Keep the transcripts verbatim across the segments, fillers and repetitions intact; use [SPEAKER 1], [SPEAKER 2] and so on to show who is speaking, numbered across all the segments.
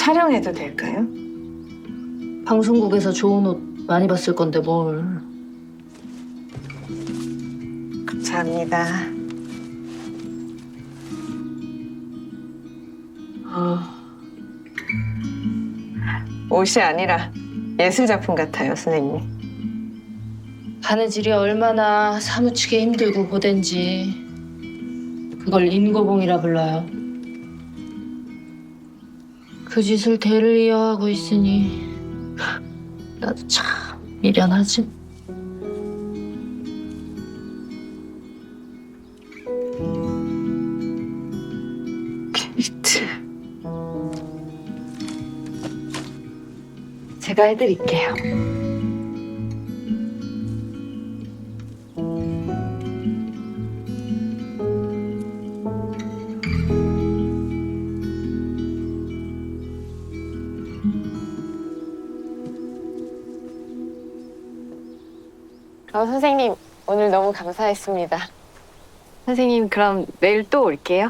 [SPEAKER 1] 촬영해도 될까요?
[SPEAKER 2] 방송국에서 좋은 옷 많이 봤을 건데 뭘.
[SPEAKER 1] 감사합니다. 어, 옷이 아니라 예술 작품 같아요, 선생님.
[SPEAKER 2] 바느질이 얼마나 사무치게 힘들고 고된지 그걸 인고봉이라 불러요. 그 짓을 대를 이어하고 있으니 나도 참 미련하지.
[SPEAKER 1] 케이트. 제가 해드릴게요.
[SPEAKER 3] 어, 선생님, 오늘 너무 감사했습니다. 선생님, 그럼 내일 또 올게요.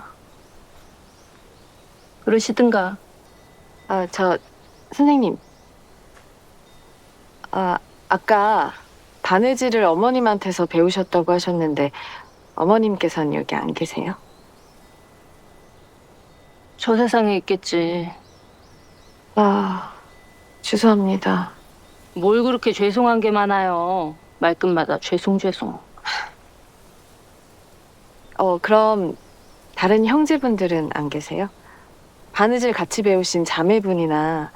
[SPEAKER 2] 그러시든가.
[SPEAKER 3] 아, 저, 선생님. 아, 아까 바느질을 어머님한테서 배우셨다고 하셨는데, 어머님께서는 여기 안 계세요?
[SPEAKER 2] 저 세상에 있겠지.
[SPEAKER 3] 아, 죄송합니다.
[SPEAKER 2] 뭘 그렇게 죄송한 게 많아요. 말끝마다 죄송 죄송.
[SPEAKER 3] 어, 그럼 다른 형제분들은 안 계세요? 바느질 같이 배우신 자매분이나.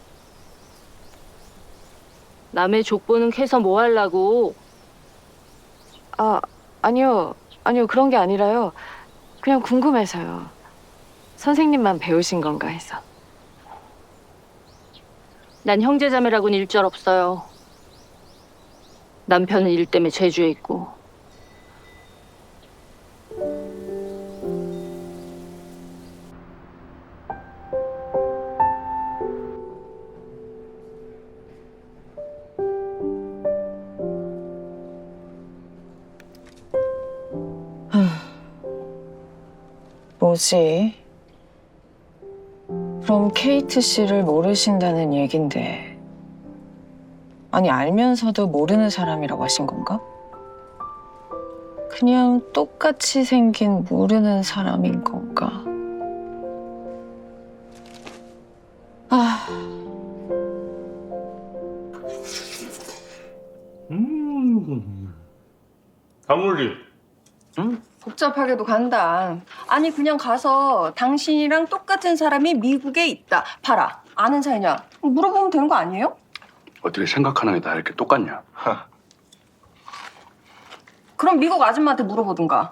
[SPEAKER 2] 남의 족보는 캐서 뭐 하려고.
[SPEAKER 3] 아, 아니요. 아니요. 그런 게 아니라요. 그냥 궁금해서요. 선생님만 배우신 건가 해서.
[SPEAKER 2] 난 형제자매라고는 일절 없어요. 남편은 일 때문에 제주에 있고.
[SPEAKER 1] 뭐지? 그럼 케이트 씨를 모르신다는 얘긴데, 아니 알면서도 모르는 사람이라고 하신 건가? 그냥 똑같이 생긴 모르는 사람인 건가? 아,
[SPEAKER 4] 음, 강물리. 응?
[SPEAKER 5] 복잡하게도 간다. 아니 그냥 가서 당신이랑 똑같은 사람이 미국에 있다. 봐라. 아는 사이냐? 물어보면 되는 거 아니에요?
[SPEAKER 4] 어떻게 생각하는 게 다 이렇게 똑같냐?
[SPEAKER 5] 그럼 미국 아줌마한테 물어보든가.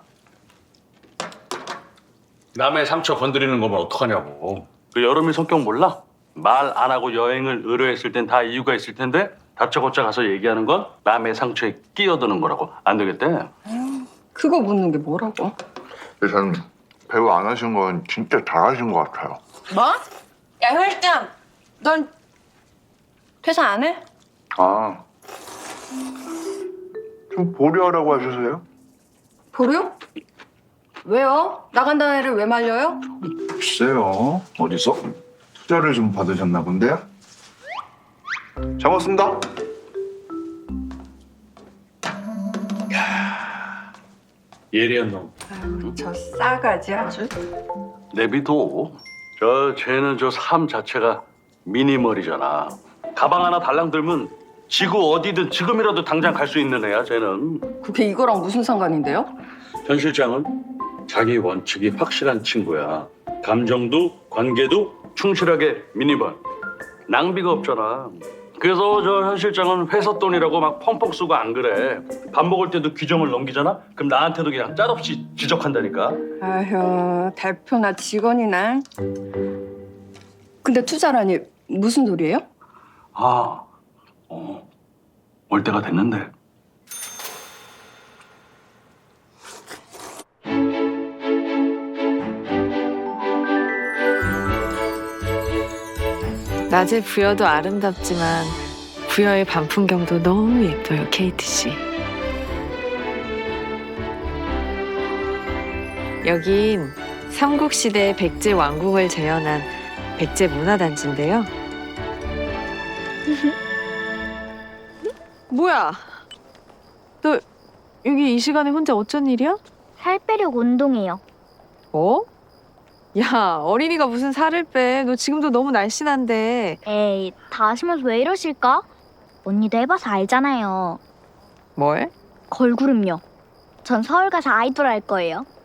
[SPEAKER 4] 남의 상처 건드리는 거면 어떡하냐고. 그 여름이 성격 몰라? 말 안 하고 여행을 의뢰했을 땐 다 이유가 있을 텐데 다짜고짜 가서 얘기하는 건 남의 상처에 끼어드는 거라고. 안 되겠대.
[SPEAKER 5] 그거 묻는 게 뭐라고?
[SPEAKER 6] 일단 배우 안 하신 건 진짜 잘하신 것 같아요.
[SPEAKER 5] 뭐? 야 혈장, 넌 퇴사 안 해?
[SPEAKER 6] 아, 좀 보류하라고 하셔서요?
[SPEAKER 5] 보류? 왜요? 나간다는 애를 왜 말려요?
[SPEAKER 6] 글쎄요. 어디서 투자를 좀 받으셨나 본데요? 잡았습니다.
[SPEAKER 4] 예리한 놈.
[SPEAKER 5] 아유, 저 싸가지 아주.
[SPEAKER 4] 내비도. 저 쟤는 저 삶 자체가 미니멀이잖아. 가방 하나 달랑 들면 지구 어디든 지금이라도 당장 갈 수 있는 애야 쟤는.
[SPEAKER 5] 그게 이거랑 무슨 상관인데요?
[SPEAKER 4] 현 실장은 자기 원칙이 확실한 친구야. 감정도 관계도 충실하게 미니멀. 낭비가 없잖아. 그래서 저 현 실장은 회사 돈이라고 막 펑펑 쓰고 안 그래. 밥 먹을 때도 규정을 넘기잖아? 그럼 나한테도 그냥 짤없이 지적한다니까.
[SPEAKER 5] 아휴, 대표나 직원이나. 근데 투자라니 무슨 소리예요?
[SPEAKER 4] 아, 어, 올 때가 됐는데.
[SPEAKER 3] 낮에 부여도 아름답지만 부여의 밤 풍경도 너무 예뻐요, 케이트 씨. 여긴 삼국시대 백제 왕궁을 재현한 백제 문화단지인데요. 뭐야? 너 여기 이 시간에 혼자 어쩐 일이야?
[SPEAKER 7] 살 빼려고 운동해요.
[SPEAKER 3] 뭐? 야, 어린이가 무슨 살을 빼. 너 지금도 너무 날씬한데.
[SPEAKER 7] 에이, 다 하시면서 왜 이러실까? 언니도 해봐서 알잖아요.
[SPEAKER 3] 뭘?
[SPEAKER 7] 걸그룹요. 전 서울 가서 아이돌 할 거예요.